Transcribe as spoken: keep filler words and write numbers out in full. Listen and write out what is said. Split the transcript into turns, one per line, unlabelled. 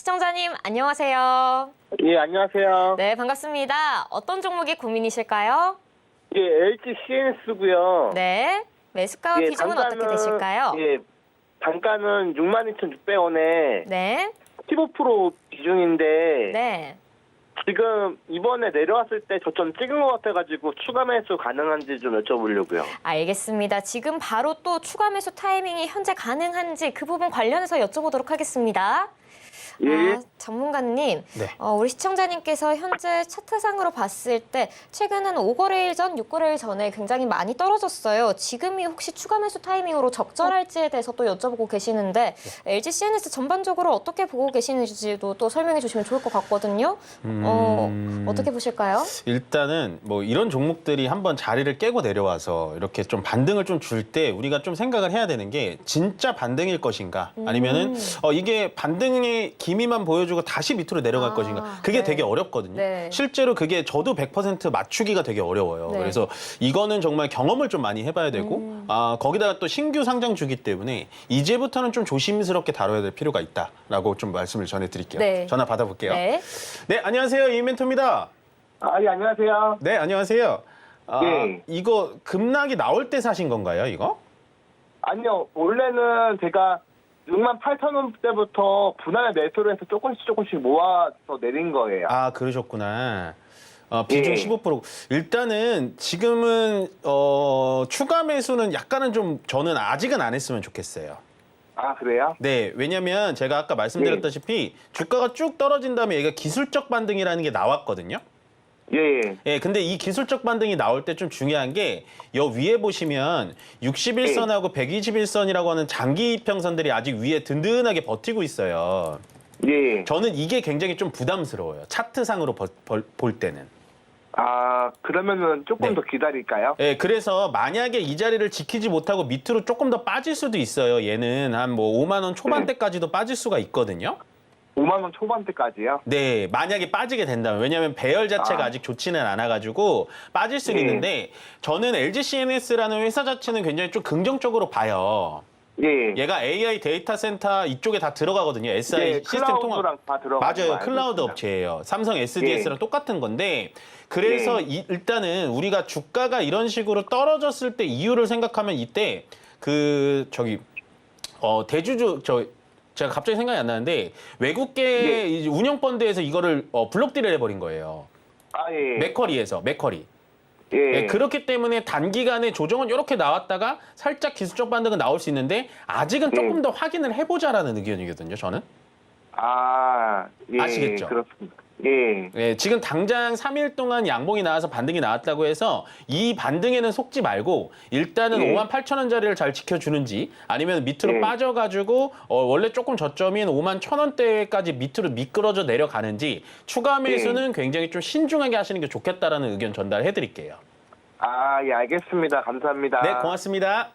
시청자님 안녕하세요.
예, 안녕하세요.
네, 반갑습니다. 어떤 종목이 고민이실까요?
예, 엘지 씨엔에스고요.
네, 매수가와
예,
비중은 어떻게 되실까요?
예, 단가는 육만 이천육백 원에
네,
십오 퍼센트 비중인데
네.
지금 이번에 내려왔을 때 저점 찍은 것 같아가지고 추가 매수 가능한지 좀 여쭤보려고요.
알겠습니다. 지금 바로 또 추가 매수 타이밍이 현재 가능한지 그 부분 관련해서 여쭤보도록 하겠습니다.
예.
아, 전문가님,
네.
어, 우리 시청자님께서 현재 차트상으로 봤을 때 최근은 오 거래일 전, 육 거래일 전에 굉장히 많이 떨어졌어요. 지금이 혹시 추가 매수 타이밍으로 적절할지에 대해서 또 여쭤보고 계시는데 엘지 씨엔에스 전반적으로 어떻게 보고 계시는지도 또 설명해 주시면 좋을 것 같거든요.
음...
어, 어떻게 보실까요?
일단은 뭐 이런 종목들이 한번 자리를 깨고 내려와서 이렇게 좀 반등을 좀 줄 때 우리가 좀 생각을 해야 되는 게 진짜 반등일 것인가 아니면은
음.
어, 이게 반등의 기미만 보여주고 다시 밑으로 내려갈
아,
것인가 그게
네.
되게 어렵거든요.
네.
실제로 그게 저도 백 퍼센트 맞추기가 되게 어려워요.
네.
그래서 이거는 정말 경험을 좀 많이 해봐야 되고
음.
아, 거기다가 또 신규 상장 주기 때문에 이제부터는 좀 조심스럽게 다뤄야 될 필요가 있다라고 좀 말씀을 전해드릴게요.
네.
전화 받아볼게요.
네.
네, 안녕하세요. 이멘토입니다.
아, 예, 안녕하세요.
네, 안녕하세요. 아,
예.
이거 급락이 나올 때 사신 건가요, 이거?
아니요, 원래는 제가 육만 팔천 원대부터 분할에 매수를 해서 조금씩 조금씩 모아서 내린 거예요.
아, 그러셨구나. 어, 비중
예.
십오 퍼센트. 일단은 지금은 어, 추가 매수는 약간은 좀 저는 아직은 안 했으면 좋겠어요.
아, 그래요?
네, 왜냐면 제가 아까 말씀드렸다시피 주가가 쭉 떨어진 다음에 얘가 기술적 반등이라는 게 나왔거든요.
예, 예.
예, 근데 이 기술적 반등이 나올 때 좀 중요한 게 여 위에 보시면 육십일 선하고 백이십일 선이라고 하는 장기 이평선들이 아직 위에 든든하게 버티고 있어요.
예.
저는 이게 굉장히 좀 부담스러워요. 차트상으로 버- 벌- 볼 때는.
아, 그러면은 조금
네.
더 기다릴까요?
예, 그래서 만약에 이 자리를 지키지 못하고 밑으로 조금 더 빠질 수도 있어요. 얘는 한 뭐 오만 원 초반대까지도 빠질 수가 있거든요.
오만 원 초반대까지요?
네, 만약에 빠지게 된다면. 왜냐하면 배열 자체가
아.
아직 좋지는 않아가지고 빠질 수는
예.
있는데 저는 엘지 씨엔에스라는 회사 자체는 굉장히 좀 긍정적으로 봐요.
예.
얘가 에이아이 데이터 센터 이쪽에 다 들어가거든요. 에스아이
예,
시스템 통합.
클라우드랑 다 들어가는
맞아요.
거 알고
클라우드
있습니다.
업체예요. 삼성 에스디에스랑
예.
똑같은 건데 그래서
예.
이- 일단은 우리가 주가가 이런 식으로 떨어졌을 때 이유를 생각하면 이때 그 저기 어 대주주 저 제가 갑자기 생각이 안 나는데 외국계
예.
이제 운영 펀드에서 이거를 어, 블록딜을 해버린 거예요.
아, 예.
맥커리에서 맥커리.
예.
예, 그렇기 때문에 단기간에 조정은 이렇게 나왔다가 살짝 기술적 반등은 나올 수 있는데 아직은 조금
예.
더 확인을 해보자라는 의견이거든요. 저는.
아, 예.
아시겠죠?
그렇습니다. 예.
예, 지금 당장 삼 일 동안 양봉이 나와서 반등이 나왔다고 해서 이 반등에는 속지 말고 일단은
예.
오만 팔천 원짜리를 잘 지켜주는지 아니면 밑으로
예.
빠져가지고 어, 원래 조금 저점인 오만 천 원대까지 밑으로 미끄러져 내려가는지 추가 매수는 굉장히 좀 신중하게 하시는 게 좋겠다라는 의견 전달해드릴게요.
아, 예, 알겠습니다. 감사합니다.
네, 고맙습니다.